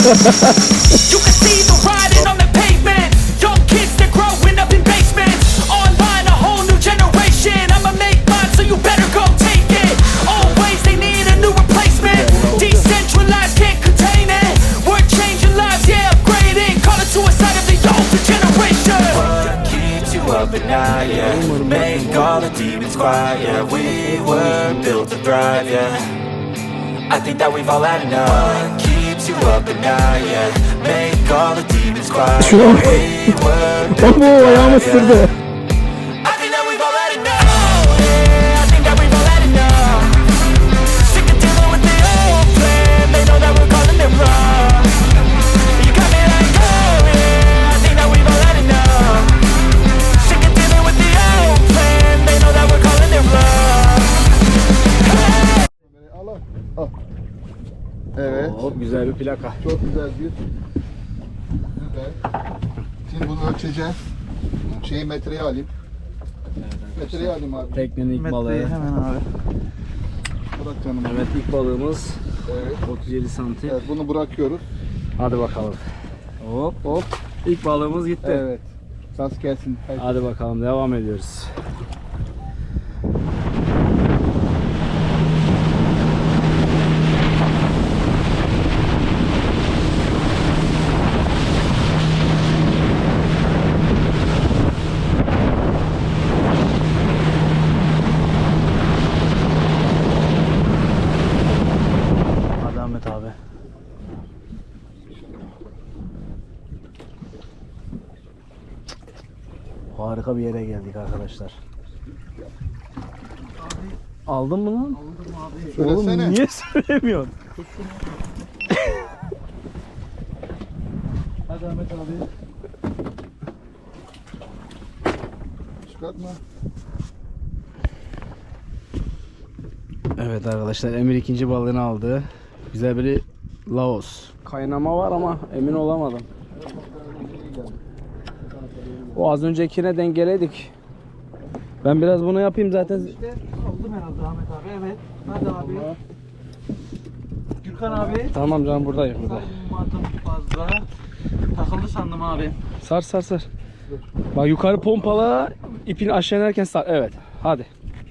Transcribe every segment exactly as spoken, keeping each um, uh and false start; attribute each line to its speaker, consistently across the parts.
Speaker 1: You can see the writing on the pavement. Young kids that growing up in basements. Online, a whole new generation. I'ma make mine, so you better go take it. Always they need a new replacement. Decentralized, can't contain it. We're changing lives, yeah, upgrading. Call it suicide of the older generation. What keeps you up at night, yeah? Make all the demons quiet, yeah. We were built to thrive, yeah. I think that we've all had enough. What keeps you up at night, yeah? Make all the demons quiet. We were built to thrive, yeah. I think that we've all had enough. Yeah, I think that we've all had enough. Sick of dealing with the old plan. They know that we're calling it wrong. You got me like, oh yeah, I think that we've all had enough. Sick of dealing with the old plan. They know that we're calling it wrong.
Speaker 2: Al al. Evet.
Speaker 3: Çok güzel bir plaka.
Speaker 2: Çok güzel bir. Güzel. Şimdi bunu ölçeceğiz. Şeyi metreye alayım. Metreye alayım abi.
Speaker 3: Teknenin ilk balığı.
Speaker 4: Hemen abi.
Speaker 2: Bırak canım.
Speaker 3: Evet, ilk balığımız
Speaker 2: Evet.
Speaker 3: otuz yedi santim.
Speaker 2: Evet, bunu bırakıyoruz.
Speaker 3: Hadi bakalım. Hop hop. İlk balığımız gitti.
Speaker 2: Evet. Saz gelsin. Haydi.
Speaker 3: Hadi bakalım, devam ediyoruz. Hadi Ahmet abi. Harika bir yere geldik arkadaşlar. Aldın mı lan? Oğlum
Speaker 2: Söylesene.
Speaker 3: niye söylemiyorsun?
Speaker 2: Hadi Ahmet abi. Çıkartma.
Speaker 3: Evet arkadaşlar, Emir ikinci balığını aldı. Güzel bir Laos. Kaynama var ama emin olamadım. O az öncekine dengeledik. Ben biraz bunu yapayım zaten.
Speaker 4: Aldım herhalde Ahmet abi. Evet. Hadi abi. Gürkan abi.
Speaker 3: Tamam canım, buradayım burada.
Speaker 4: Sanmadım fazla. Takıldı sandım abi.
Speaker 3: Sar sar sar. Bak yukarı pompala, ipini aşağı inerken sar. Evet. Hadi.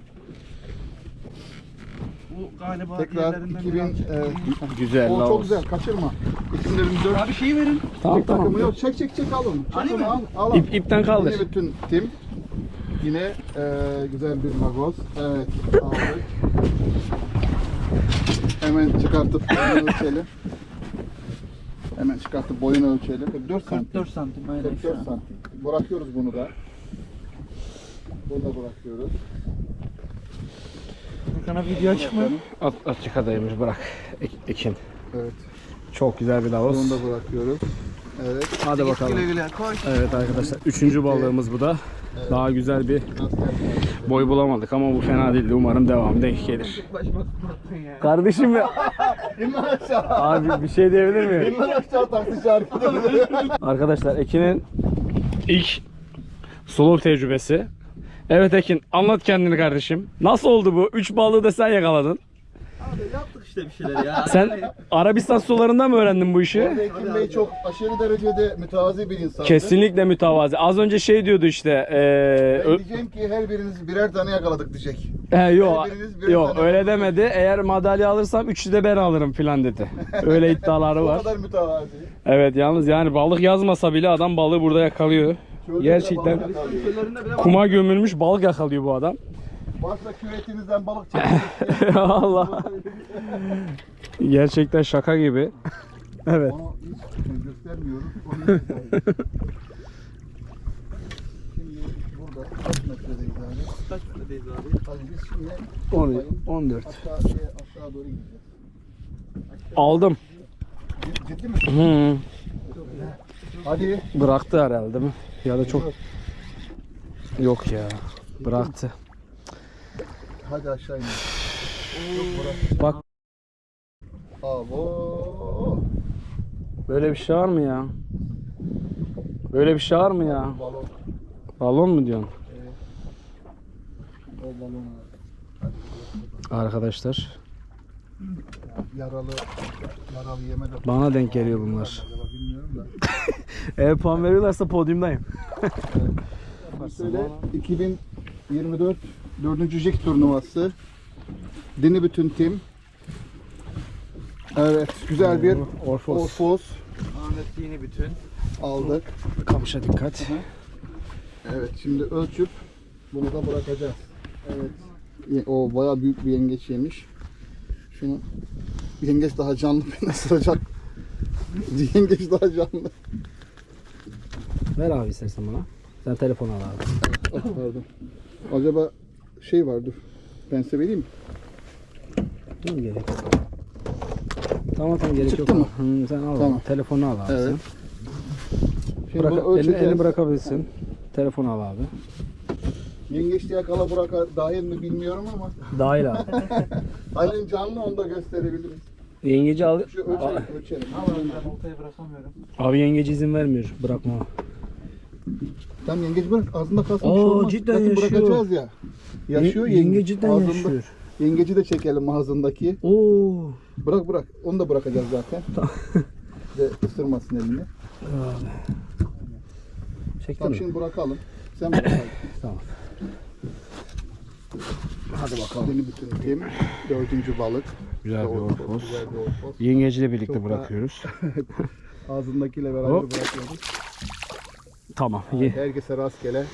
Speaker 4: Bu galiba
Speaker 2: Tekrar
Speaker 4: diğerlerinden
Speaker 2: iki bin.
Speaker 4: biraz-
Speaker 2: E,
Speaker 3: Güzel
Speaker 2: o çok
Speaker 3: Laos.
Speaker 2: güzel. Kaçırma. iki bin yirmi dört.
Speaker 4: Abi şeyi verin.
Speaker 3: Tamam
Speaker 2: Tek takımı
Speaker 3: tamam.
Speaker 2: yok. Çek çek çek al onu. Çek
Speaker 4: Ali
Speaker 2: onu,
Speaker 4: mi?
Speaker 2: Al, al, al.
Speaker 3: İp, ipten kaldır.
Speaker 2: Yine bütün tim. Yine e, güzel bir magos. Evet. Aldık. Hemen çıkartıp boyunu ölçelim. Hemen çıkartıp boyunu ölçelim. kırk dört santim.
Speaker 4: kırk dört santim. Aynen
Speaker 2: kırk
Speaker 4: şu
Speaker 2: dört
Speaker 4: an.
Speaker 2: santim. Bırakıyoruz bunu da. Bunu da bırakıyoruz.
Speaker 4: Gürkan'a video açık mı?
Speaker 3: At, açık adaymış, bırak. Ek- Ekin.
Speaker 2: Evet.
Speaker 3: Çok güzel bir Laos.
Speaker 2: Bunu da bırakıyoruz. Evet.
Speaker 3: Hadi bakalım.
Speaker 4: Güle güle koy.
Speaker 3: Evet arkadaşlar, üçüncü balığımız bu da. Daha güzel bir boy bulamadık ama bu fena değildi. Umarım devam denk gelir.
Speaker 4: Başıma tutmattın ya.
Speaker 3: Kardeşim ya.
Speaker 2: İnlan aşağı.
Speaker 3: Abi bir şey diyebilir miyim?
Speaker 2: İnlan aşağı taksi şarkıda.
Speaker 3: Arkadaşlar, Ekin'in ilk solo tecrübesi. Evet Ekin, anlat kendini kardeşim. Nasıl oldu bu? Üç balığı da sen yakaladın.
Speaker 4: Abi yaptık işte bir şeyler ya.
Speaker 3: Sen Arabistan sularında mı öğrendin bu işi?
Speaker 2: Ekim Bey çok aşırı derecede mütevazi bir insandı.
Speaker 3: Kesinlikle mütevazi. Az önce şey diyordu işte. Ee,
Speaker 2: Ben
Speaker 3: ö-
Speaker 2: diyeceğim ki her biriniz birer tane yakaladık diyecek.
Speaker 3: He, yok,
Speaker 2: Her biriniz birer
Speaker 3: yok
Speaker 2: tane
Speaker 3: öyle
Speaker 2: yakaladık.
Speaker 3: demedi. Eğer madalya alırsam üçü de ben alırım filan dedi. Öyle iddiaları
Speaker 2: O
Speaker 3: var.
Speaker 2: kadar mütevazi.
Speaker 3: Evet, yalnız yani balık yazmasa bile adam balığı burada yakalıyor.
Speaker 2: Şöyle
Speaker 3: Gerçekten
Speaker 2: de balık yakalıyor.
Speaker 4: Köylerinde bile
Speaker 3: kuma gömülmüş balık yakalıyor bu adam.
Speaker 2: Varsa küvetinizden balık çekin.
Speaker 3: Allah. Gerçekten şaka gibi. Evet.
Speaker 2: Onu hiç göstermiyoruz. Onu hiç göstermiyoruz. Şimdi burada kaç metredeyiz abi?
Speaker 4: kaç metredeyiz abi?
Speaker 2: Hadi biz şimdi
Speaker 3: on, on dört.
Speaker 2: aşağı, aşağı doğru gideceğiz.
Speaker 3: Aldım.
Speaker 2: Cid- Ciddi misin?
Speaker 3: Hı.
Speaker 2: Hadi.
Speaker 3: Bıraktı herhalde mi? Ya da çok... Yok ya. Bıraktı.
Speaker 2: Hadi aşağı in.
Speaker 3: Bak,
Speaker 2: Abo.
Speaker 3: böyle bir şey var mı ya? Böyle bir şey var mı ya?
Speaker 2: Balon.
Speaker 3: Balon mu diyorsun?
Speaker 2: O balon.
Speaker 3: Arkadaşlar,
Speaker 2: Yaralı, yaralı yeme de.
Speaker 3: Bana denk geliyor bunlar.
Speaker 2: Acaba bilmiyorum da.
Speaker 3: Eğer puan veriyorlarsa podyumdayım.
Speaker 2: Şöyle iki bin yirmi dört dördüncü jig turnuvası. Dini bütün tim. Evet, güzel bir
Speaker 3: Orfos.
Speaker 2: Orfos
Speaker 4: Ahmet yeni bütün.
Speaker 2: aldık.
Speaker 3: Kamışa dikkat.
Speaker 2: Evet, şimdi ölçüp bunu da bırakacağız. Evet. Ye- O bayağı büyük bir yengeç yemiş. Şunu yengeç daha canlı beni ısıracak. Yengeç daha canlı.
Speaker 3: Ver abi istersen bana. Sen telefonu al abi.
Speaker 2: Ah, pardon. Acaba şey var dur. Ben size vereyim mi?
Speaker 3: Değil mi gerek yok? Tamam tamam gerek
Speaker 2: Çıktı
Speaker 3: yok.
Speaker 2: mı?
Speaker 3: Hı, sen al.
Speaker 2: Tamam.
Speaker 3: Telefonu al abi
Speaker 2: Evet.
Speaker 3: sen.
Speaker 2: Şimdi
Speaker 3: Bırak,
Speaker 2: bunu
Speaker 3: elini,
Speaker 2: ölçeceğiz.
Speaker 3: elini bırakabilirsin. Telefonu al abi.
Speaker 2: Yengeç diye kala buraka dahil mi bilmiyorum ama
Speaker 3: Dahil abi.
Speaker 2: Halin canlı onu da gösterebiliriz.
Speaker 3: Yengeci al.
Speaker 2: Şu ölçelim, ölçelim.
Speaker 4: Ben oltayı bırakamıyorum.
Speaker 3: Abi yengeci izin vermiyor. Bırakma.
Speaker 2: Tam yengeç bırak ağzında kalsın
Speaker 3: Aa,
Speaker 2: bir şey olmaz.
Speaker 3: cidden
Speaker 2: Zaten
Speaker 3: yaşıyor.
Speaker 2: bırakacağız ya. Yaşıyor
Speaker 3: Ye-
Speaker 2: yengeç.
Speaker 3: yenge cidden
Speaker 2: Ağzında-
Speaker 3: yaşıyor.
Speaker 2: Yengeci de çekelim ağzındaki.
Speaker 3: Oo.
Speaker 2: Bırak bırak. Onu da bırakacağız zaten. De ısırmasın elini.
Speaker 3: Abi. Çektin
Speaker 2: Tamam
Speaker 3: mi?
Speaker 2: şimdi bırakalım. Sen bırak. hadi.
Speaker 3: Tamam.
Speaker 2: Hadi bakalım. Yeni bütün tim. Dördüncü balık.
Speaker 3: Güzel bir
Speaker 2: Orfos,
Speaker 3: orfos.
Speaker 2: Güzel bir orfos.
Speaker 3: Yengeciyle birlikte
Speaker 2: Çok da-
Speaker 3: bırakıyoruz.
Speaker 2: Ağzındakiyle beraber
Speaker 3: Hop.
Speaker 2: bırakıyoruz.
Speaker 3: Tamam. Ye.
Speaker 2: Herkese rastgele.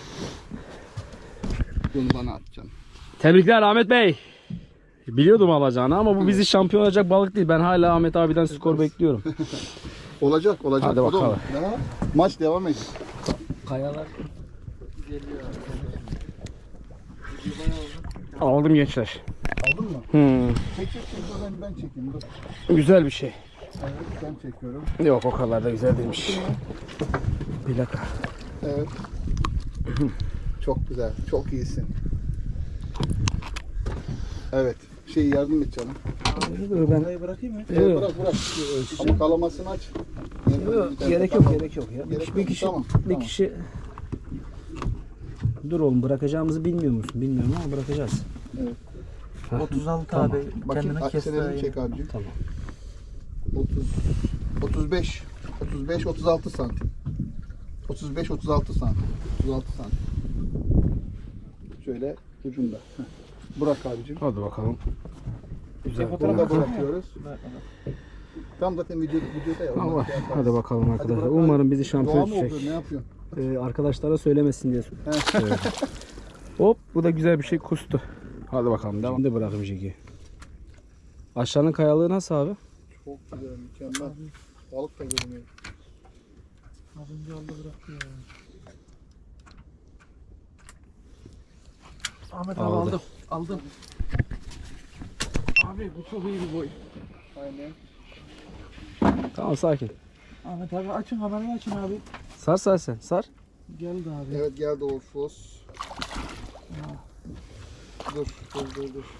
Speaker 2: Bunu bana atacaksın.
Speaker 3: Tebrikler Ahmet Bey. Biliyordum alacağını ama bu bizi şampiyon olacak balık değil. Ben hala Ahmet abiden skor bekliyorum.
Speaker 2: Olacak olacak.
Speaker 3: Hadi
Speaker 2: O da
Speaker 3: bakalım.
Speaker 2: olur. Daha maç devam edecek.
Speaker 3: Kayalar.
Speaker 4: Geliyor.
Speaker 3: Aldım gençler.
Speaker 2: Aldın mı?
Speaker 3: Hmm.
Speaker 2: Çek çek çek. Dur, Ben, ben çekeyim. Dur.
Speaker 3: Güzel bir şey.
Speaker 2: Evet ben çekiyorum.
Speaker 3: Yok o kadar da güzel değilmiş. Plaka.
Speaker 2: Evet. Çok güzel. Çok iyisin. Evet. Şey yardım et canım.
Speaker 3: Ben
Speaker 4: Oltayı bırakayım mı?
Speaker 2: Evet, bırak bırak. Ama kalamasını aç.
Speaker 3: Yok, gerek yok gerek yok ya.
Speaker 2: Gerek
Speaker 3: bir
Speaker 2: yok,
Speaker 3: kişi
Speaker 2: tamam,
Speaker 3: bir
Speaker 2: tamam.
Speaker 3: kişi Dur oğlum bırakacağımızı bilmiyor musun? Bilmiyorum ama bırakacağız.
Speaker 2: Evet.
Speaker 3: Hah,
Speaker 4: otuz altı
Speaker 3: tamam.
Speaker 4: abi.
Speaker 2: Bakayım
Speaker 4: Kendini kes daha
Speaker 2: akselerini
Speaker 4: iyi.
Speaker 2: çek abicim.
Speaker 3: Tamam.
Speaker 2: otuz, otuz beş, otuz beş, otuz altı santim. otuz beş, otuz altı santim. otuz altı santim. Şöyle ucunda. Heh. Bırak abicim.
Speaker 3: Hadi bakalım. Güzel.
Speaker 2: Bunu da
Speaker 3: Bırak.
Speaker 2: bırakıyoruz. Tam zaten video, videoda ya.
Speaker 3: Tamam,
Speaker 2: ondan şey yaparız.
Speaker 3: hadi bakalım arkadaşlar.
Speaker 2: bırak abi.
Speaker 3: Umarım bizi
Speaker 2: Doğa
Speaker 3: şampiyon
Speaker 2: mı oluyor?
Speaker 3: tutacak.
Speaker 2: Ne yapıyorsun?
Speaker 3: Ee, arkadaşlara söylemesin diye söyledim. Hop bu da güzel bir şey kustu. Hadi bakalım devam. Şimdi bırakayım Jig'i. Aşağının kayalığı nasıl abi?
Speaker 2: Çok güzel, mükemmel. Balık da görünüyor.
Speaker 4: Az önce aldı bıraktı ya. Ahmet abi
Speaker 3: Aldı.
Speaker 4: aldım. Aldım. Abi bu çok iyi bir boy.
Speaker 2: Aynen.
Speaker 3: Tamam sakin.
Speaker 4: Ahmet abi açın kamerayı açın abi.
Speaker 3: Sar sar sen sar.
Speaker 4: Geldi abi.
Speaker 2: Evet geldi Orfos. Dur, dur, dur, dur.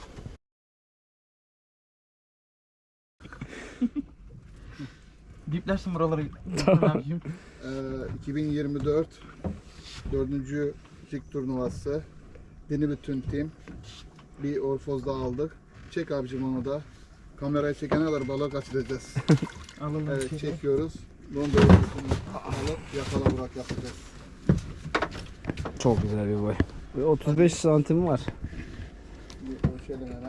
Speaker 4: Diplersin buraları. Tamam.
Speaker 2: Ee, iki bin yirmi dört dördüncü jig turnuvası. Dini bütün tim. Bir Orfos daha aldık. Çek abicim onu da. Kamerayı çekene kadar balık kaçıracağız.
Speaker 4: Alalım.
Speaker 2: Evet
Speaker 4: şey.
Speaker 2: çekiyoruz. Bunu da alıp yakala bırak yapacağız.
Speaker 3: Çok güzel bir boy. Ve otuz beş santim var.
Speaker 2: Bir ölçelim hemen.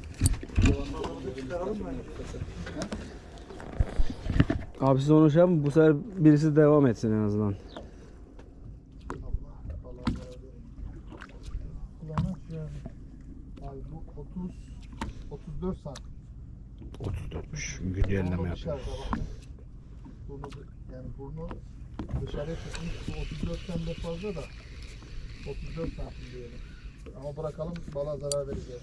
Speaker 3: Abi siz onu şey yapın bu sefer birisi devam etsin en azından.
Speaker 2: Abi bu otuz otuz dört santim.
Speaker 3: otuz dörtmüş. Güncelleme yapıyor.
Speaker 2: Burnu, yani burnu dışarıya çıkmış. Bu otuz dörtten de fazla da otuz dört santim diyelim. Ama bırakalım balığa zarar vereceğiz.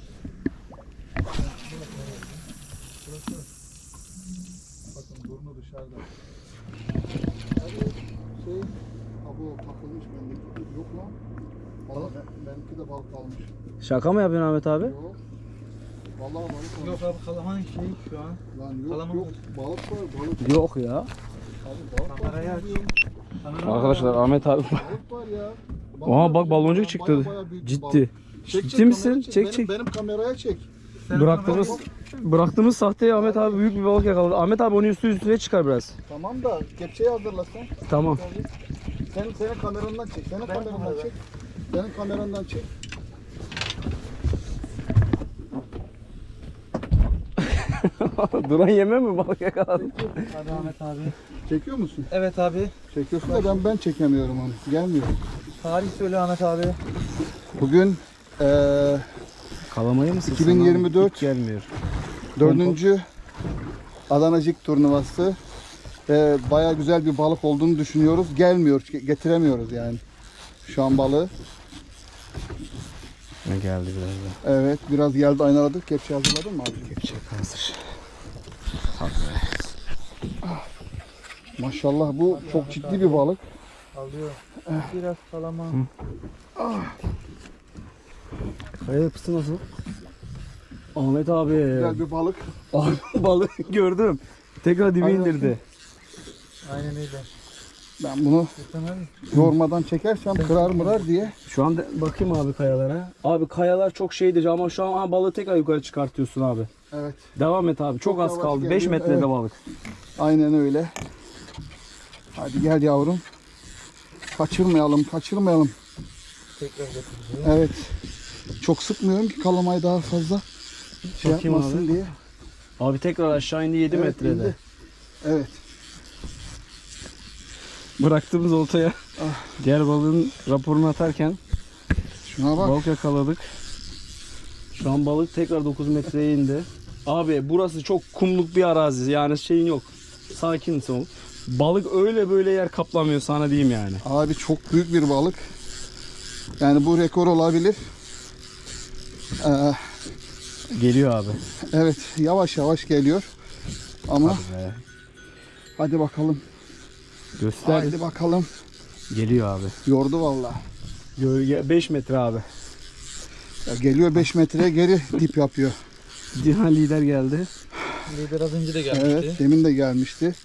Speaker 2: Burası. Bakın burnu dışarıda. Hadi şey, abo takılmış bendeki. Yok lan. Balık, benimki de balık kalmış.
Speaker 3: Şaka mı yapıyorsun Ahmet abi?
Speaker 2: Yok. Vallahi balık kalmış.
Speaker 4: Yok abi kalamanın şeyi şu an.
Speaker 2: Lan yok
Speaker 4: Kalamam
Speaker 2: yok.
Speaker 4: var.
Speaker 2: Balık var balık.
Speaker 3: Yok ya.
Speaker 2: Abi balık var.
Speaker 4: Kamerayı aç.
Speaker 3: Arkadaşlar Ahmet abi.
Speaker 2: Balık var ya.
Speaker 3: Oha bak baloncuk çıktı.
Speaker 2: Baya baya büyük bir
Speaker 3: Ciddi.
Speaker 2: balık. Çek,
Speaker 3: Ciddi
Speaker 2: çek,
Speaker 3: misin?
Speaker 2: kamerayı
Speaker 3: Çek,
Speaker 2: benim,
Speaker 3: çek.
Speaker 2: Benim kameraya çek.
Speaker 4: Sen
Speaker 3: Bıraktığımız bıraktığımız sahteye Ahmet abi büyük bir balık yakaladı. Ahmet abi onu üstü üstüne çıkar biraz.
Speaker 2: Tamam da kepçeyi hazırla sen.
Speaker 3: Tamam.
Speaker 2: Sen senin kamerandan çek. Senin kamerandan çek. Senin kamerandan çek.
Speaker 3: Duran yeme mi balık yakaladın?
Speaker 4: Hadi Ahmet abi.
Speaker 2: Çekiyor musun?
Speaker 4: Evet abi.
Speaker 2: Çekiyorsun da ben ben çekemiyorum onu. Gelmiyor.
Speaker 4: Tarih söyle Ahmet abi.
Speaker 2: Bugün eee
Speaker 3: Kalamayı mısın?
Speaker 2: iki bin yirmi dört
Speaker 3: Hiç gelmiyor.
Speaker 2: dördüncü Adanacık turnuvası. Eee Baya güzel bir balık olduğunu düşünüyoruz. Gelmiyor. Getiremiyoruz yani. Şu an balığı.
Speaker 3: Ne geldi biraz da.
Speaker 2: Evet. Biraz geldi aynaladık. Kepçe hazırladın mı abi?
Speaker 3: Kepçe hazır.
Speaker 2: Maşallah bu çok ciddi bir balık.
Speaker 4: Alıyor. Biraz kalama.
Speaker 3: Kaya yapısı nasıl? Ahmet abi.
Speaker 2: Güzel bir balık.
Speaker 3: Abi balığı gördüm. Tekrar dibe
Speaker 2: Aynen.
Speaker 3: indirdi.
Speaker 4: Aynen öyle.
Speaker 2: Ben bunu
Speaker 4: Lütfen abi.
Speaker 2: yormadan çekersem kırar mırar diye.
Speaker 3: Şu an de- bakayım abi kayalara. Abi kayalar çok şeydir ama şu an aha, balığı tekrar yukarı çıkartıyorsun abi.
Speaker 2: Evet.
Speaker 3: Devam et abi. Çok,
Speaker 2: Çok
Speaker 3: az
Speaker 2: yavaş
Speaker 3: kaldı. beş
Speaker 2: geliyor,
Speaker 3: metrede
Speaker 2: evet.
Speaker 3: balık.
Speaker 2: Aynen öyle. Hadi gel yavrum. Kaçırmayalım, kaçırmayalım.
Speaker 4: Tekrar getireceğim.
Speaker 2: Evet. Çok sıkmıyorum ki kalamayı daha fazla şey
Speaker 3: Bakayım
Speaker 2: yapmasın
Speaker 3: abi.
Speaker 2: diye.
Speaker 3: Abi tekrar aşağı indi yedi
Speaker 2: Evet,
Speaker 3: metrede.
Speaker 2: indi. Evet.
Speaker 3: Bıraktığımız oltaya diğer balığın raporunu atarken
Speaker 2: Şuna bak.
Speaker 3: balık yakaladık. Şu an balık tekrar dokuz metreye indi. Abi burası çok kumluk bir arazi. Yani şeyin yok. Sakinsin ol. Balık öyle böyle yer kaplamıyor sana diyeyim yani.
Speaker 2: Abi çok büyük bir balık. Yani bu rekor olabilir. Ee,
Speaker 3: Geliyor abi.
Speaker 2: evet yavaş yavaş geliyor. Ama
Speaker 3: Be.
Speaker 2: hadi bakalım.
Speaker 3: Göster.
Speaker 2: Hadi bakalım.
Speaker 3: Geliyor abi.
Speaker 2: Yordu vallahi.
Speaker 3: Gölge beş metre abi.
Speaker 2: Ya geliyor beş metreye geri dip yapıyor.
Speaker 3: Dihan lider geldi.
Speaker 4: Lider az önce de gelmişti.
Speaker 2: Evet demin de gelmişti.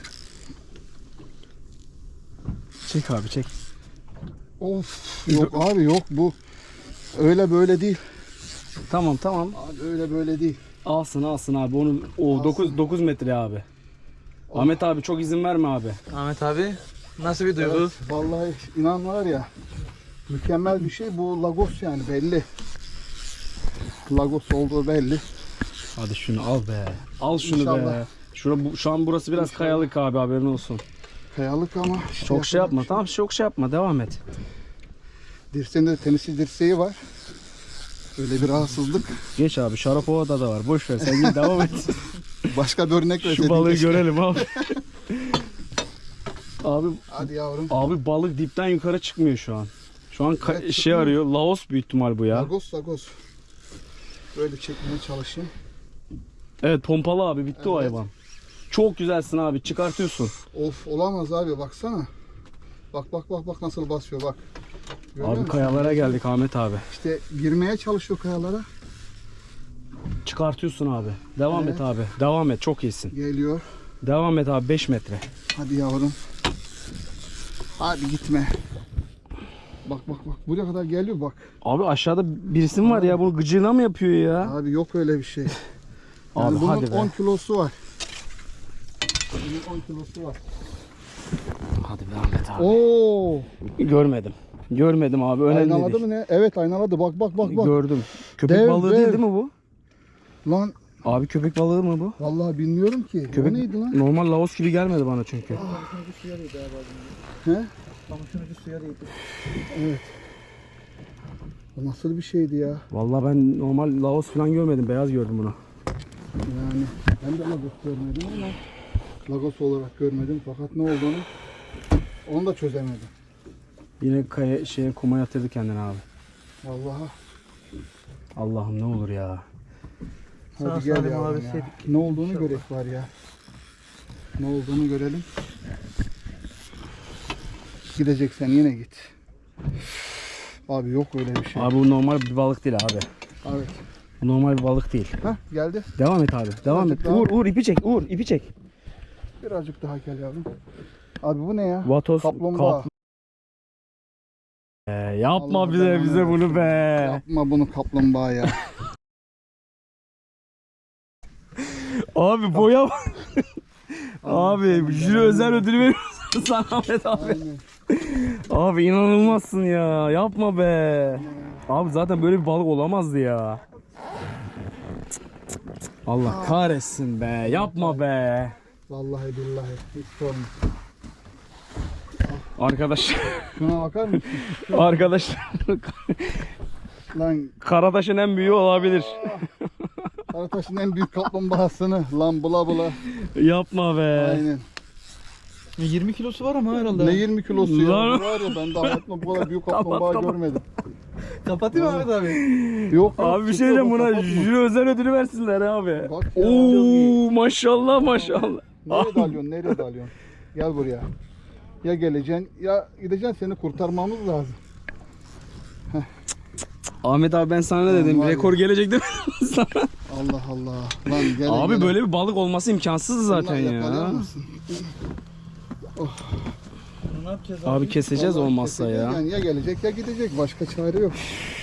Speaker 3: Çek abi çek.
Speaker 2: Of yok abi yok bu öyle böyle değil.
Speaker 3: Tamam tamam.
Speaker 2: Abi öyle böyle değil.
Speaker 3: Alsın alsın abi. Onu o dokuz dokuz metre abi. Ahmet abi çok izin verme abi.
Speaker 4: Ahmet abi nasıl bir duygu?
Speaker 2: Evet, vallahi inan var ya mükemmel bir şey bu Lagos yani belli. Lagos olduğu belli.
Speaker 3: Hadi şunu al be. Al şunu be.
Speaker 2: İnşallah.
Speaker 3: Şura, bu, şu an burası biraz
Speaker 2: İnşallah.
Speaker 3: kayalık abi haberin olsun.
Speaker 2: Kayalık ama
Speaker 3: Çok şey yapma. Tamam çok şey yapma. Devam et.
Speaker 2: Dirseğinde de tenisi dirseği var. Öyle bir rahatsızlık.
Speaker 3: Geç abi. Şarapova'da da var. Boş ver. Sen git devam et.
Speaker 2: Başka bir örnek
Speaker 3: Şu
Speaker 2: verseydin
Speaker 3: balığı
Speaker 2: keşke.
Speaker 3: görelim abi. Abi
Speaker 2: Hadi yavrum.
Speaker 3: abi balık dipten yukarı çıkmıyor şu an. Şu an ka-
Speaker 2: Evet,
Speaker 3: şey
Speaker 2: çıkmıyor.
Speaker 3: arıyor. Laos büyük ihtimal bu ya.
Speaker 2: Lagos Lagos. Böyle çekmeye çalışayım.
Speaker 3: Evet pompalı abi. Bitti o
Speaker 2: Evet.
Speaker 3: hayvan. Çok güzelsin abi. Çıkartıyorsun.
Speaker 2: Of olamaz abi baksana. Bak bak bak bak nasıl basıyor bak. Görüyor
Speaker 3: Abi
Speaker 2: musun?
Speaker 3: kayalara geldik Ahmet abi.
Speaker 2: İşte girmeye çalışıyor kayalara.
Speaker 3: Çıkartıyorsun abi. Devam
Speaker 2: Evet.
Speaker 3: et abi. Devam et. Çok iyisin.
Speaker 2: Geliyor.
Speaker 3: Devam et abi. beş metre.
Speaker 2: Hadi yavrum. Hadi gitme. Bak bak bak buraya kadar geliyor bak.
Speaker 3: Abi aşağıda birisi mi var ya? Bunu gıcığına mı yapıyor ya?
Speaker 2: Abi yok öyle bir şey. Yani
Speaker 3: Abi
Speaker 2: bunun
Speaker 3: hadi be.
Speaker 2: on kilosu var. Bunun on kilosu var.
Speaker 3: Hadi be Ahmet abi.
Speaker 2: Oo!
Speaker 3: Görmedim. Görmedim abi. Önemli
Speaker 2: Aynaladı
Speaker 3: değil.
Speaker 2: mı ne? Evet aynaladı. Bak bak bak bak.
Speaker 3: Gördüm. Köpek
Speaker 2: Dev,
Speaker 3: balığı
Speaker 2: dev.
Speaker 3: değil değil mi bu?
Speaker 2: Lan
Speaker 3: Abi köpek balığı mı bu?
Speaker 2: vallahi bilmiyorum ki.
Speaker 3: Köpek
Speaker 2: O neydi lan?
Speaker 3: normal Laos gibi gelmedi bana çünkü.
Speaker 2: He?
Speaker 4: Kamışın ucu suya değdi.
Speaker 2: O nasıl bir şeydi ya?
Speaker 3: Vallahi ben normal Laos falan görmedim. Beyaz gördüm bunu.
Speaker 2: Yani ben de Lagos görmedim ama Lagos olarak görmedim fakat ne olduğunu onu da çözemedim.
Speaker 3: Yine kaya, şeye kuma yatırdı kendini abi.
Speaker 2: Vallahi
Speaker 3: Allah'ım ne olur ya.
Speaker 2: hadi
Speaker 4: Sağ
Speaker 2: gel
Speaker 4: salim
Speaker 2: yavrum ya.
Speaker 4: alabilseydik.
Speaker 2: Ne olduğunu
Speaker 4: İnşallah.
Speaker 2: görek var ya. Ne olduğunu görelim. Gideceksen yine git. Abi yok öyle bir şey.
Speaker 3: Abi bu normal bir balık değil abi.
Speaker 2: Evet.
Speaker 3: Bu normal bir balık değil.
Speaker 2: Hah geldi.
Speaker 3: Devam et abi. Devam
Speaker 2: Birazcık
Speaker 3: et.
Speaker 2: daha.
Speaker 3: Uğur Uğur ipi çek. Uğur ipi çek.
Speaker 2: Birazcık daha gel yavrum. Abi bu ne ya?
Speaker 3: Vatos
Speaker 2: Kaplumbağa.
Speaker 3: kap- Ee, yapma
Speaker 2: Allah
Speaker 3: bize
Speaker 2: belanı
Speaker 3: bize bunu be.
Speaker 2: Yapma bunu kaplumbağa ya.
Speaker 3: Abi boya bak. Abi jüri özel ödülü veriyorsun sana Ahmet abi.
Speaker 2: Aynen.
Speaker 3: Abi inanılmazsın ya. Yapma be. Abi zaten böyle bir balık olamazdı ya. Allah kahretsin be. Yapma be.
Speaker 2: Vallahi billahi hiç sorma.
Speaker 3: Arkadaş.
Speaker 2: Şuna bakar mısın?
Speaker 3: Arkadaş.
Speaker 2: Lan
Speaker 3: Karataş'ın en büyüğü olabilir.
Speaker 2: Karataş'ın en büyük kaplumbağasını lan bula bula.
Speaker 3: Yapma be.
Speaker 2: Aynen.
Speaker 4: yirmi kilosu var ama herhalde.
Speaker 2: Ne yirmi kilosu ya?
Speaker 3: Lan.
Speaker 2: Var ya ben de hayatımda bu kadar büyük
Speaker 3: Kapat,
Speaker 2: kaplumbağa
Speaker 3: kapat.
Speaker 2: görmedim.
Speaker 4: Kapatayım mı Ahmet abi?
Speaker 2: Yok.
Speaker 3: Abi bir şey diyeceğim, buna jüri özel ödülü versinler abi.
Speaker 2: Bak ya.
Speaker 3: Oo maşallah maşallah.
Speaker 2: Nereye dalıyorsun? Nereye dalıyorsun? Gel buraya. Ya geleceksin ya gideceksin, seni kurtarmamız lazım.
Speaker 3: Ahmet abi ben sana ne dedim?
Speaker 2: var ya.
Speaker 3: Rekor gelecek değil mi sana?
Speaker 2: Allah Allah. Lan gel.
Speaker 3: Abi
Speaker 2: gel.
Speaker 3: böyle bir balık olması imkansız zaten
Speaker 2: Bunlar yakalıyor
Speaker 3: ya.
Speaker 2: musun?
Speaker 4: Ne yapacağız abi?
Speaker 3: Abi keseceğiz
Speaker 2: Vallahi
Speaker 3: olmazsa ya.
Speaker 2: keseceksin. Yani ya gelecek ya gidecek. Başka çare yok.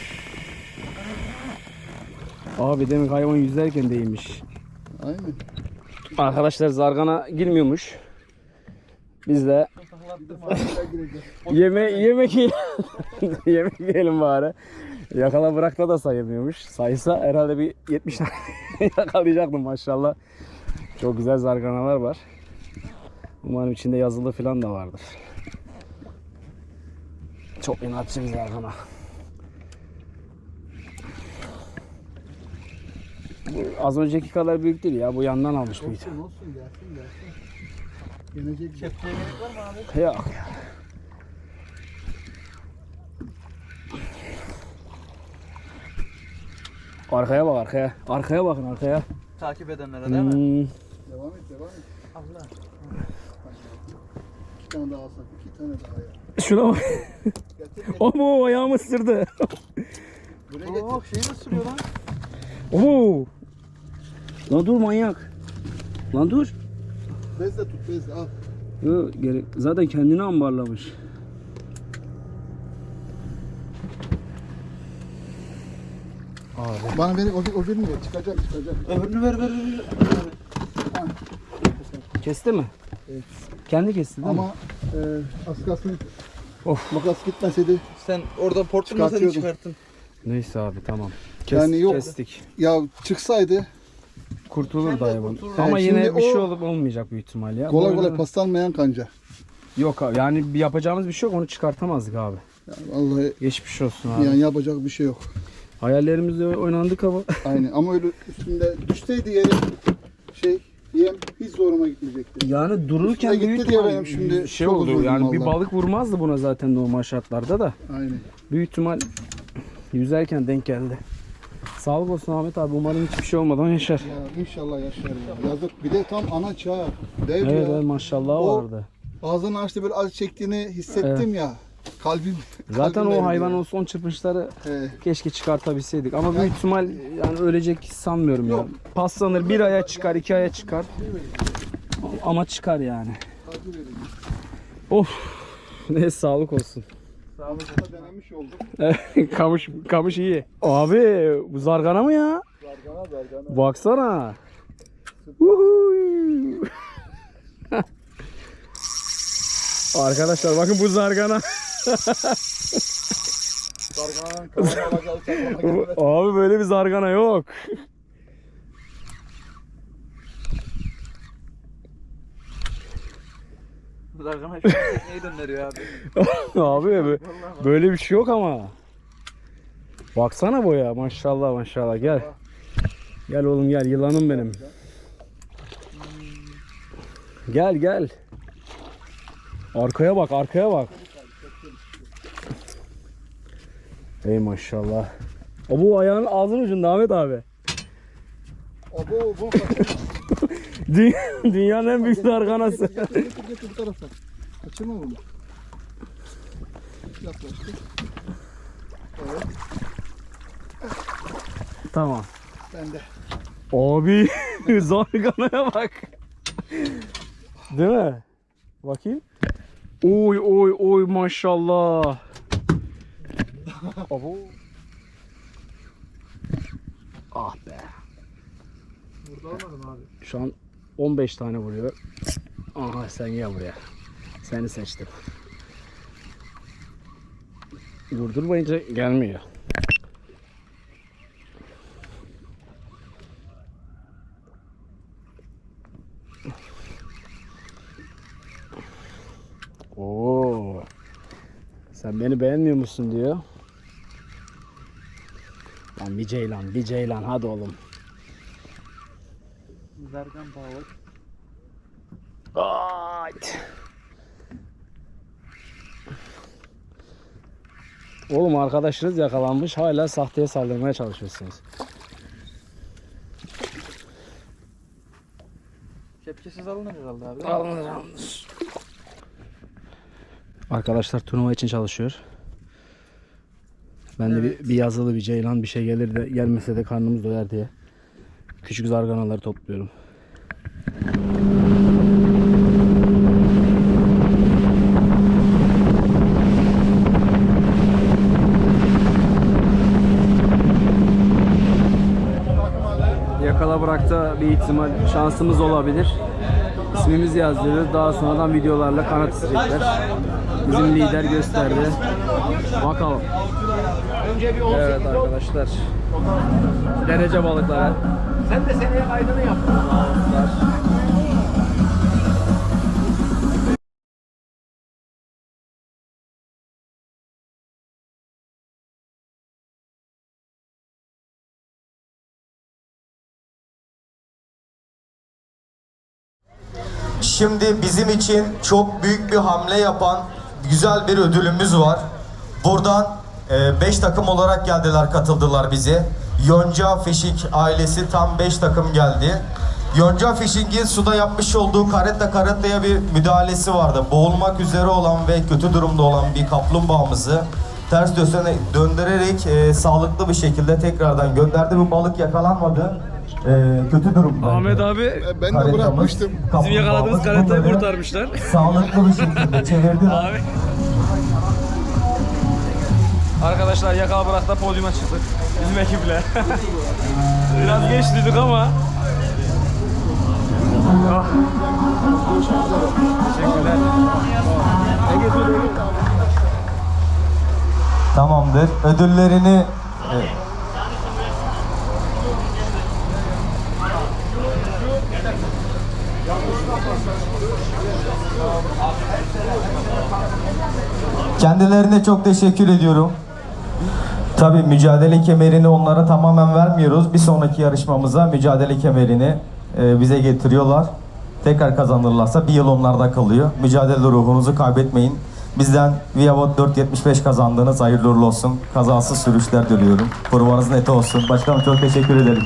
Speaker 3: Abi demek hayvan yüzerken değilmiş.
Speaker 2: Aynen.
Speaker 3: Arkadaşlar zargana girmiyormuş. Biz de yeme yemek yiyelim. Yemek yiyelim bari. Yakala bırakta da sayılmıyormuş. Saysa herhalde bir yetmiş tane yakalayacaktım maşallah. Çok güzel zarganalar var. Umarım içinde yazılı falan da vardır. Çok inatçı bir zargana. Bu az önceki kadar büyük değil ya. Bu yandan almış büyük.
Speaker 2: Olsun olsun gelsin gelsin. Gelecek.
Speaker 4: Kepçeye gerek var mı abi?
Speaker 3: Yok. Arkaya bak arkaya. Arkaya bakın arkaya.
Speaker 4: Takip edenlere değil mi?
Speaker 3: Hmm.
Speaker 2: Devam et devam et.
Speaker 4: Allah.
Speaker 2: İki tane daha alsak. iki tane daha ya.
Speaker 3: Şuna bak.
Speaker 2: Getir getir.
Speaker 3: O bu ayağımı ısırdı.
Speaker 2: Buraya getir.
Speaker 4: Oo şey nasıl sürüyor lan?
Speaker 3: Oo. Lan dur manyak. Lan dur.
Speaker 2: Bezle tut bezle al.
Speaker 3: Yo, gerek. Zaten kendini ambarlamış. Abi.
Speaker 2: Bana ver o, o birini ver. Çıkacak çıkacak.
Speaker 4: Öbürünü ver ver ver.
Speaker 3: Kesti mi?
Speaker 2: Evet.
Speaker 3: Kendi kesti değil mi?
Speaker 2: Ama e, az kalsın
Speaker 3: Of.
Speaker 2: makas gitmeseydi.
Speaker 4: Sen orada portunu seni
Speaker 2: Çıkartıyordum.
Speaker 4: çıkarttın.
Speaker 3: Neyse abi tamam. Kes,
Speaker 2: Yani yok.
Speaker 3: Kestik.
Speaker 2: Ya çıksaydı
Speaker 3: Kurtulur da hayvan.
Speaker 2: kurtulur.
Speaker 3: Ama
Speaker 2: Yani
Speaker 3: yine
Speaker 2: şimdi
Speaker 3: bir şey
Speaker 2: o-
Speaker 3: olup olmayacak büyük ihtimal ya.
Speaker 2: kolay
Speaker 3: Böyle-
Speaker 2: kolay paslanmayan kanca.
Speaker 3: Yok abi yani bir yapacağımız bir şey yok, onu çıkartamazdık abi.
Speaker 2: Yani vallahi
Speaker 3: Geçmiş olsun abi.
Speaker 2: yani yapacak bir şey yok.
Speaker 3: Hayallerimizle oynandık ama.
Speaker 2: Aynen ama öyle üstünde düşseydi yere şey yem hiç zoruma gitmeyecekti.
Speaker 3: Yani dururken
Speaker 2: Üstüne
Speaker 3: büyük
Speaker 2: gitti diye
Speaker 3: ihtimal
Speaker 2: benim şimdi
Speaker 3: şey
Speaker 2: çok
Speaker 3: oldu
Speaker 2: üzüldüm
Speaker 3: yani bir
Speaker 2: vallahi.
Speaker 3: balık vurmazdı buna zaten normal şartlarda da.
Speaker 2: Aynen.
Speaker 3: Büyük ihtimal yüzerken denk geldi. Sağlık olsun Ahmet abi, umarım hiçbir şey olmadan yaşar.
Speaker 2: Ya inşallah yaşar ya. Yazık. Bir de tam ana çağ. Dev
Speaker 3: Evet,
Speaker 2: ya.
Speaker 3: evet maşallah
Speaker 2: O-
Speaker 3: vardı.
Speaker 2: Ağzını açtı böyle acı çektiğini hissettim ya. Kalbim.
Speaker 3: Zaten
Speaker 2: kalbim
Speaker 3: o
Speaker 2: eridi
Speaker 3: hayvanın
Speaker 2: ya.
Speaker 3: son çırpınışları
Speaker 2: He.
Speaker 3: keşke çıkartabilseydik ama
Speaker 2: Yani-
Speaker 3: büyük ihtimal yani ölecek sanmıyorum ya.
Speaker 2: Yok.
Speaker 3: Paslanır, bir aya çıkar, iki aya çıkar ama çıkar yani.
Speaker 2: Acı verici.
Speaker 3: Of. Ne sağlık olsun.
Speaker 2: Sağlıkla denemiş olduk.
Speaker 3: kamış kamış iyi. Abi bu zargana mı ya?
Speaker 2: Zargana zargana.
Speaker 3: Baksana. Uhuy. Arkadaşlar bakın bu zargana.
Speaker 2: Zargana'nın kafana alacağı çakmana gelmedi.
Speaker 3: Abi böyle bir zargana yok.
Speaker 4: Zargana şu an tekneyi döndürüyor abi.
Speaker 3: Abi bö- böyle bir şey yok ama. Baksana boya, maşallah maşallah, gel. Gel oğlum gel, yılanım benim. Gel gel. Arkaya bak, arkaya bak. Ey maşallah. O bu ayağının ağzının ucunda Ahmet abi.
Speaker 2: Abo bu
Speaker 3: Dü- Dünyanın en büyük zarganası.
Speaker 2: Getir getir getir bu tarafa. Kaçırma bunu. Yaklaştık. Evet
Speaker 3: Tamam.
Speaker 2: ben de.
Speaker 3: Abi zarganaya bak. Değil mi? Bakayım. Oy oy oy maşallah.
Speaker 2: Abo.
Speaker 3: Ah be.
Speaker 2: Vurdu
Speaker 3: Şu an on beş tane vuruyor. Aha sen gel buraya. Seni seçtim. Durdurmayınca gelmiyor. Oo. Sen beni beğenmiyor musun diyor. Lan bir ceylan, bir ceylan hadi oğlum.
Speaker 4: Zargan balık.
Speaker 3: Ayt. Oğlum arkadaşınız yakalanmış, hala sahteye saldırmaya çalışıyorsunuz.
Speaker 4: Kepçesiz alınır herhalde abi.
Speaker 3: Alınır alınır. Arkadaşlar turnuva için çalışıyor. Ben de bir, bir yazılı bir ceylan bir şey gelir de gelmese de karnımız doyar diye küçük zarganaları topluyorum. Yakala bırakta bir ihtimal şansımız olabilir. İsmimizi yazdırır. Daha sonradan videolarla kanat isteyecekler. Bizim lider gösterdi. Bakalım. Evet arkadaşlar. Derece balıkları. Sen de seneye kaydını yap.
Speaker 5: Şimdi bizim için çok büyük bir hamle yapan güzel bir ödülümüz var. Buradan beş takım olarak geldiler, katıldılar bize. Yonca Fishing ailesi tam beş takım geldi. Yonca Fishing'in suda yapmış olduğu karetta karettaya bir müdahalesi vardı. Boğulmak üzere olan ve kötü durumda olan bir kaplumbağamızı ters döne döndürerek e, sağlıklı bir şekilde tekrardan gönderdi. Bu balık yakalanmadı. E, kötü durumda.
Speaker 3: Ahmet abi
Speaker 2: Ben de bırakmıştım.
Speaker 3: bizim yakaladığımız karettayı kurtarmışlar.
Speaker 5: Sağlıklı bir şekilde çevirdiler.
Speaker 3: Abi. Arkadaşlar yakala bırakta podyuma çıktık bizim ekiple. Biraz geç dedik ama. Oh. Teşekkürler.
Speaker 5: Tamamdır. Ödüllerini evet. Kendilerine çok teşekkür ediyorum. Tabii mücadele kemerini onlara tamamen vermiyoruz. Bir sonraki yarışmamıza mücadele kemerini e, bize getiriyorlar. Tekrar kazanırlarsa bir yıl onlarda kalıyor. Mücadele ruhunuzu kaybetmeyin. Bizden Viavot dört yetmiş beş kazandınız. Hayırlı uğurlu olsun. Kazasız sürüşler diliyorum. Provanız net olsun. Başkanım çok teşekkür ederim.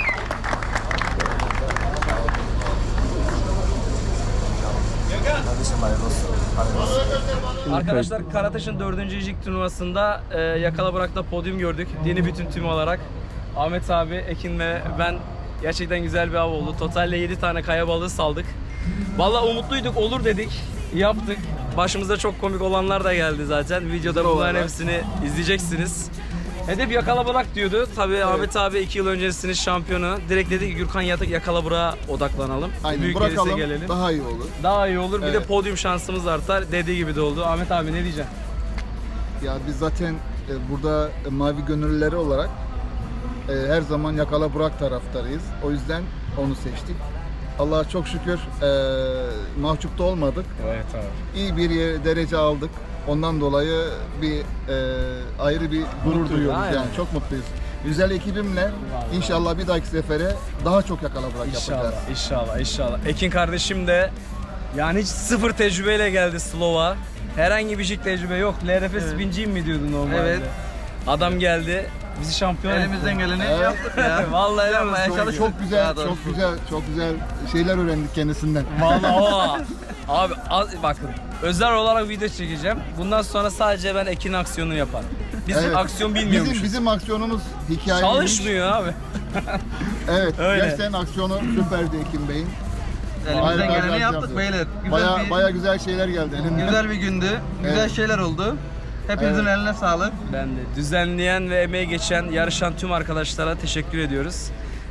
Speaker 3: Arkadaşlar Karataş'ın dördüncü jig turnuvasında e, yakala bırakta podyum gördük. Yeni bütün tüm olarak. Ahmet abi, Ekin ve ben gerçekten güzel bir av oldu. Totalde yedi tane kaya balığı saldık. Vallahi umutluyduk, olur dedik. Yaptık. Başımıza çok komik olanlar da geldi zaten. Videoda bunların hepsini izleyeceksiniz. Hedef yakala bırak diyordu. Tabii evet. Ahmet abi iki yıl öncesinin şampiyonu. Direkt dedi ki Gürkan Yatık yakala bırağa odaklanalım.
Speaker 2: Aynen,
Speaker 3: Büyük
Speaker 2: bırakalım,
Speaker 3: gelelim.
Speaker 2: daha iyi olur.
Speaker 3: Daha iyi olur.
Speaker 2: Evet.
Speaker 3: Bir de podyum şansımız artar. Dediği gibi de oldu. Ahmet abi ne diyeceksin?
Speaker 2: Ya biz zaten e, burada e, mavi gönüllüleri olarak e, her zaman yakala bırak taraftarıyız. O yüzden onu seçtik. Allah'a çok şükür e, mahcup da olmadık.
Speaker 3: Evet abi.
Speaker 2: İyi bir yer, derece aldık. Ondan dolayı bir e, ayrı bir gurur
Speaker 3: Mutluyuz,
Speaker 2: duyuyoruz
Speaker 3: aynen.
Speaker 2: yani. Çok mutluyuz. Güzel ekibimle inşallah bir dahaki sefere daha çok yakala bırak yapacağız.
Speaker 3: İnşallah, inşallah, inşallah. Ekin kardeşim de yani hiç sıfır tecrübeyle geldi Slow'a. Herhangi bir jig tecrübe yok. L R F
Speaker 4: Evet.
Speaker 3: spinciyim mi diyordu normalde?
Speaker 4: Evet.
Speaker 3: Adam geldi. Bizi şampiyon
Speaker 4: Elimizden geleni
Speaker 2: Evet.
Speaker 4: yaptık ya.
Speaker 3: Vallahi helal
Speaker 4: Yapmaya
Speaker 3: olsun.
Speaker 4: çalıştık.
Speaker 2: Çok güzel,
Speaker 4: Daha doğrusu.
Speaker 2: çok güzel, çok güzel şeyler öğrendik kendisinden.
Speaker 3: Vallahi o. Abi az, bakın özel olarak video çekeceğim. Bundan sonra sadece ben Ekin aksiyonu yaparım. Biz
Speaker 2: Evet.
Speaker 3: aksiyon bilmiyormuşuz.
Speaker 2: Bizim bizim aksiyonumuz hikaye.
Speaker 3: Çalışmıyor abi.
Speaker 2: Evet.
Speaker 3: Öyle.
Speaker 2: Gerçekten aksiyonu süperdi Ekim Bey'in.
Speaker 4: Elimizden
Speaker 2: Harika
Speaker 4: geleni
Speaker 2: harika
Speaker 4: yaptık
Speaker 2: yaptı.
Speaker 4: beyler. Güzel
Speaker 2: Baya
Speaker 4: bir,
Speaker 2: baya güzel şeyler geldi elinden.
Speaker 4: güzel bir gündü. Güzel
Speaker 2: Evet.
Speaker 4: şeyler oldu. Hepinizin
Speaker 2: Evet.
Speaker 4: eline sağlık.
Speaker 3: Ben de düzenleyen ve emeği geçen, yarışan tüm arkadaşlara teşekkür ediyoruz.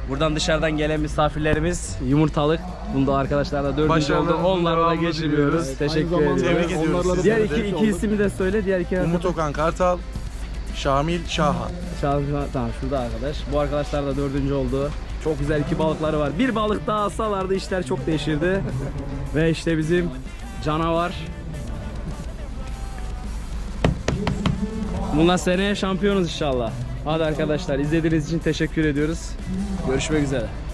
Speaker 3: Buradan dışarıdan gelen misafirlerimiz yumurtalık. Bunda arkadaşlar da dördüncü oldu.
Speaker 4: Başarılarınızın
Speaker 3: Onlara da
Speaker 4: devamını
Speaker 3: geçiriyoruz.
Speaker 4: diliyoruz.
Speaker 2: Aynı
Speaker 3: Teşekkür
Speaker 2: zamanda
Speaker 3: ediyoruz.
Speaker 4: Tebrik ediyoruz
Speaker 2: onlarla da
Speaker 3: Diğer
Speaker 2: beraber
Speaker 3: iki, iki
Speaker 2: olduk.
Speaker 3: ismi de söyle. Diğer iki
Speaker 4: Umut Okan Kartal, Şamil Şahan.
Speaker 3: Şahane, tamam şurada arkadaş. Bu arkadaşlar da dördüncü oldu. Çok güzel iki balıkları var. Bir balık daha alsalardı işler çok değişirdi. Ve işte bizim canavar. Bundan seneye şampiyonuz inşallah. Hadi arkadaşlar izlediğiniz için teşekkür ediyoruz. Görüşmek üzere.